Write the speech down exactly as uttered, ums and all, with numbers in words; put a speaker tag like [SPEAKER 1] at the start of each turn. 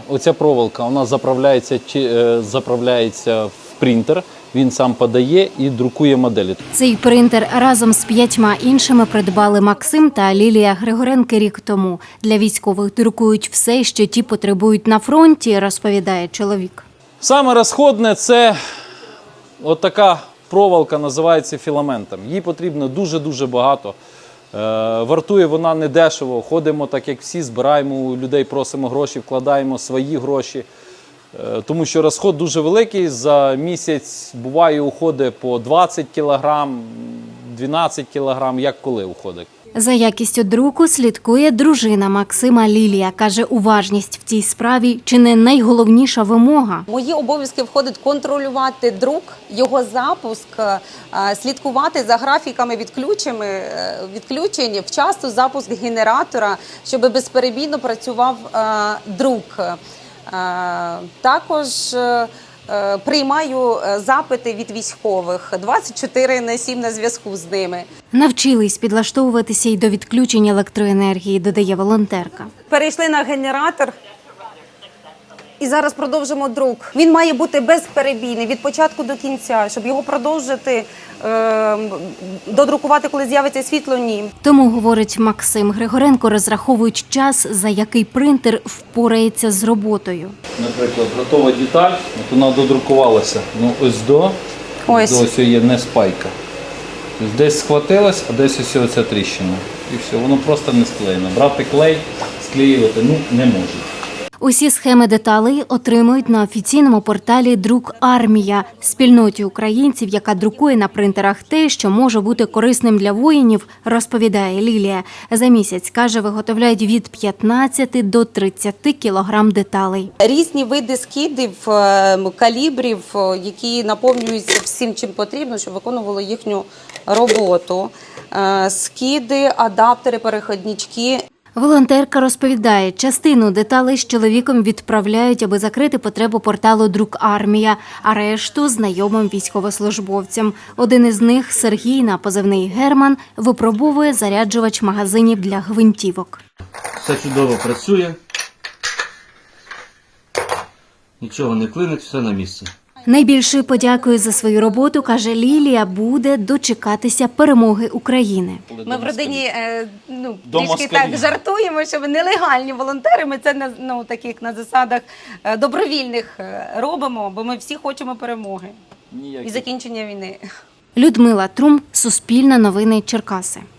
[SPEAKER 1] оця проволока, вона заправляється, заправляється в принтер, він сам подає і друкує моделі.
[SPEAKER 2] Цей принтер разом з п'ятьма іншими придбали Максим та Лілія Григоренки рік тому. Для військових друкують все, що ті потребують на фронті, розповідає чоловік.
[SPEAKER 1] Саме розходне – це от така проволока, називається філаментом. Їй потрібно дуже-дуже багато. Е, вартує вона недешево. Ходимо так, як всі, збираємо у людей, просимо гроші, вкладаємо свої гроші. Е, тому що розход дуже великий. За місяць буває уходить по двадцять кілограм, дванадцять кілограм, як коли уходить.
[SPEAKER 2] За якістю друку слідкує дружина Максима Лілія. Каже, уважність в цій справі чи не найголовніша вимога.
[SPEAKER 3] В мої обов'язки входить контролювати друк, його запуск, слідкувати за графіками відключень, вчасно запуск генератора, щоб безперебійно працював друк. Також приймаю запити від військових, двадцять чотири на сім на зв'язку з ними.
[SPEAKER 2] Навчились підлаштовуватися й до відключення електроенергії, додає волонтерка.
[SPEAKER 3] Перейшли на генератор і зараз продовжимо друк. Він має бути безперебійний від початку до кінця, щоб його продовжити, е, додрукувати, коли з'явиться світло, ні.
[SPEAKER 2] Тому, говорить Максим Григоренко, розраховують час, за який принтер впорається з роботою.
[SPEAKER 1] Наприклад, готова деталь, от вона додрукувалася. Ну, ось до,
[SPEAKER 3] ось.
[SPEAKER 1] до ось є не спайка. Тобто десь схватилась, а десь ось оця тріщина. І все, воно просто не склеєно. Брати клей, склеювати, ну, не можуть.
[SPEAKER 2] Усі схеми деталей отримують на офіційному порталі «Друк Армія» – спільноті українців, яка друкує на принтерах те, що може бути корисним для воїнів, розповідає Лілія. За місяць, каже, виготовляють від п'ятнадцяти до тридцяти кілограм деталей.
[SPEAKER 3] Різні види скидів, калібрів, які наповнюються всім, чим потрібно, щоб виконувало їхню роботу. Скиди, адаптери, переходнички.
[SPEAKER 2] Волонтерка розповідає, частину деталей з чоловіком відправляють, аби закрити потребу порталу «Друк Армія», а решту – знайомим військовослужбовцям. Один із них, Сергій, на позивний Герман, випробовує заряджувач магазинів для гвинтівок.
[SPEAKER 4] Все чудово працює, нічого не клинить, все на місці.
[SPEAKER 2] Найбільшою подякою за свою роботу, каже Лілія, буде дочекатися перемоги України.
[SPEAKER 3] Ми в родині ну, трішки так жартуємо, що ми нелегальні волонтери, ми це на, ну, таких, на засадах добровільних робимо, бо ми всі хочемо перемоги і закінчення війни.
[SPEAKER 2] Людмила Трум, Суспільне новини, Черкаси.